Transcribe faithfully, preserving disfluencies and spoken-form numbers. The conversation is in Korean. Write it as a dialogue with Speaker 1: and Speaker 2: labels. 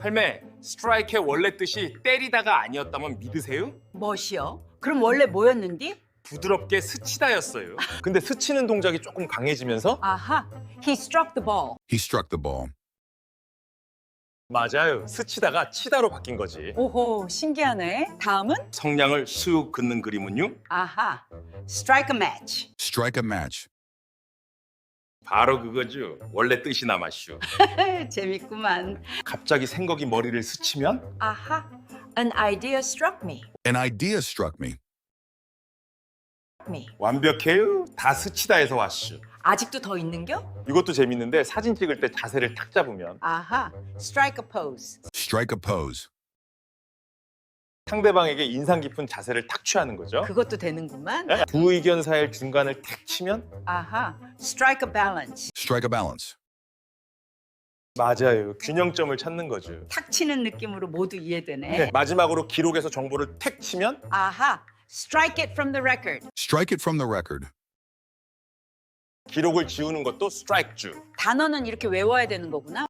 Speaker 1: 할매, 스트라이크의 원래 뜻이 때리다가 아니었다면 믿으세요?
Speaker 2: 멋이요? 그럼 원래 뭐였는디?
Speaker 1: 부드럽게 스치다였어요.
Speaker 3: 근데 스치는 동작이 조금 강해지면서
Speaker 2: 아하, he struck the ball.
Speaker 4: He struck the ball.
Speaker 3: 맞아요. 스치다가 치다로 바뀐 거지.
Speaker 2: 오호, 신기하네. 다음은?
Speaker 1: 성냥을 쑥 긋는 그림은요?
Speaker 2: 아하, strike a match.
Speaker 4: Strike a match.
Speaker 1: 바로 그거죠. 원래 뜻이 남았슈.
Speaker 2: 재밌구만.
Speaker 1: 갑자기 생각이 머리를 스치면
Speaker 2: 아하, an idea struck me.
Speaker 4: An idea struck me.
Speaker 2: me.
Speaker 1: 완벽해요. 다 스치다에서 왔슈.
Speaker 2: 아직도 더 있는겨?
Speaker 3: 이것도 재밌는데 사진 찍을 때 자세를 탁 잡으면
Speaker 2: 아하, strike a pose.
Speaker 4: Strike a pose.
Speaker 3: 상대방에게 인상 깊은 자세를 탁 취하는 거죠.
Speaker 2: 그것도 되는구만.
Speaker 3: 네? 두 의견 사이의 중간을 탁 치면
Speaker 2: 아하, strike a balance.
Speaker 4: Strike a balance.
Speaker 3: 맞아요. 균형점을 찾는 거죠.
Speaker 2: 탁 치는 느낌으로 모두 이해되네.
Speaker 3: 네, 마지막으로 기록에서 정보를 탁 치면
Speaker 2: 아하, strike it from the record.
Speaker 4: Strike it from the record.
Speaker 3: 기록을 지우는 것도 스트라이크주.
Speaker 2: 단어는 이렇게 외워야 되는 거구나.